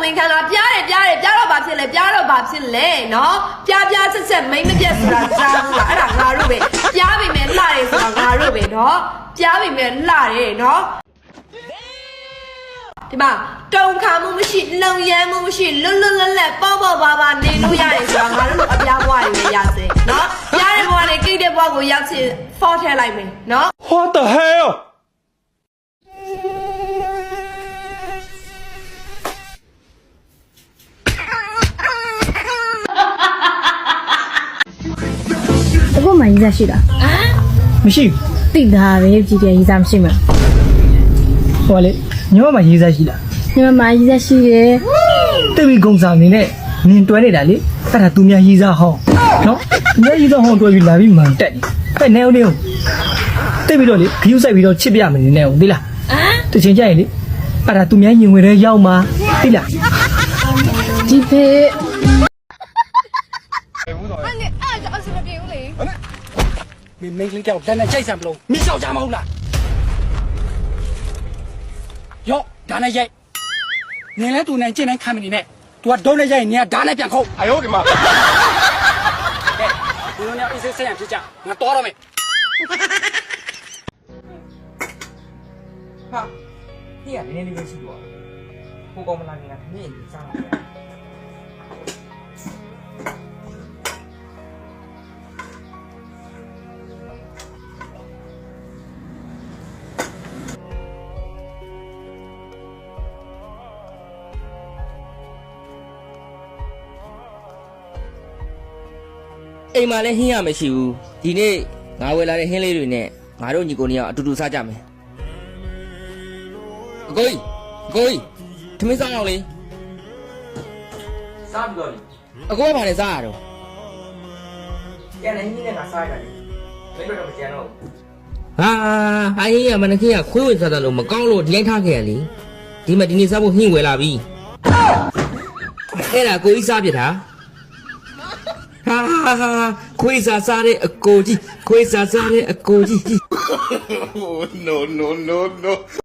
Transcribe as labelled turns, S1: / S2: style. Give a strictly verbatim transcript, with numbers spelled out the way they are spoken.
S1: လင်ခံလာပြားတယ်ပြားတယ်ပြားတော့ဘာဖြစ်လဲပြားတော့ဘာဖြစ်လဲနော်ပြားပြားဆက်ဆက်မိမ့်မပြတ်ဆိုတာကြားဘူးလားအဲ့ဒါငါတို့ပဲပြားပြီမဲ့လှတယ်ဆိုတာငါတို့ပဲနော်ပြားပြီမဲ့လှတယ်နော်ဒီမှာတုံခါမှုမရှိလုံရမ်းမှုမရှိလွတ်လွတ်လပ်လပ်ပေါ့ပေါ့ပါပါနေလို့ရတယ်ဆိုတာငါတို့အပြားဘွားတွေပဲရစေနော်ပြားတဲ့ဘွားနဲ့ကိတ်တဲ့ဘွားကိုရောက်ချင်ဖော့ထဲလိုက်မယ်နော်
S2: What the hell
S3: အခုမှရေးစားရှိတာ
S2: မရှိ
S3: တိတာပဲကြည့်တယ်ရေးစားမရှိမှာ
S2: ဟိုလေညောမရေးစားရှိလား
S3: ညီမမရေးစားရှိတယ်
S2: တိတ်ပြီးဂုံဆောင်နေနဲ့နင်တွဲနေတာလေအဲ့ဒါသူများရေးစားဟောင်းနော်ညရေးစားဟောင်းတွဲပြီးလာပြီးမှန်တက်နေဟဲ့နေဦးနေဦးတိတ်ပြီးတော့လေခယူးဆိုင်ပြီးတော့ချစ်ပြမယ်နေဦးသိလားတချင်ကြရင်လေအဲ့ဒါသူများညင်ဝင်တဲ့ရောက်မှာသိလား
S3: ဒီဖေ
S2: မင်းမင်းကလေးကြောက်တန်းနဲ့ကြိုက်စံမလို့မင်းရှောက်ကြမဟုတ်လားယောဒါနဲ့ရိုက်နင်လဲသူနဲ့ကျင့်တိုင်းခံမနေနဲ့ तू ကဒုံးနဲ့ရိုက်ရင်နင်ကဓာတ်နဲ့ပြန်ခုတ်အယောဒီမှာကဲဒီလိုနဲ့အေးဆေးဆေးရဖြစ်ကြငါတော်တော့မယ်ဟာဒီကနည်းနည်းလေးပဲရှိတော့ကိုကောင်မလာခင်ကခမင်းကြီးစားလာတယ်
S4: အိမ်မှာလည်းဟင်းရမရှိဘူးဒီနေ့ငါဝယ်လာတဲ့ဟင်းလေးတွေနဲ့ငါတို့ညီကိုနေအောင်အတူတူစားကြမယ်အကိုကြီးအကိုကြီးထမင်းစားအောင်လေစားပြီးတော့လေအကိုကဘာလဲစားရတော့ကျန်တဲ့ဟင်းနဲ့ငါစားရတယ်မင်းတို့တော့မကျန်တော့ဘူးဟာဟိုင်းရမနခင်ကခွေးဝင်စားတယ်လို့မကောင်းလို့ဒီတိုင်းထားခဲ့ရလေဒီမှာဒီနေ့စားဖို့ဟင်းဝယ်လာပြီအဲ့ဒါကိုကြီးစားပြတာဟာဟာဟာခွေးစားစားတဲ့အကိုကြီးခွေးစားစားတဲ့အကိုကြီး
S5: Oh, no, no, no, no.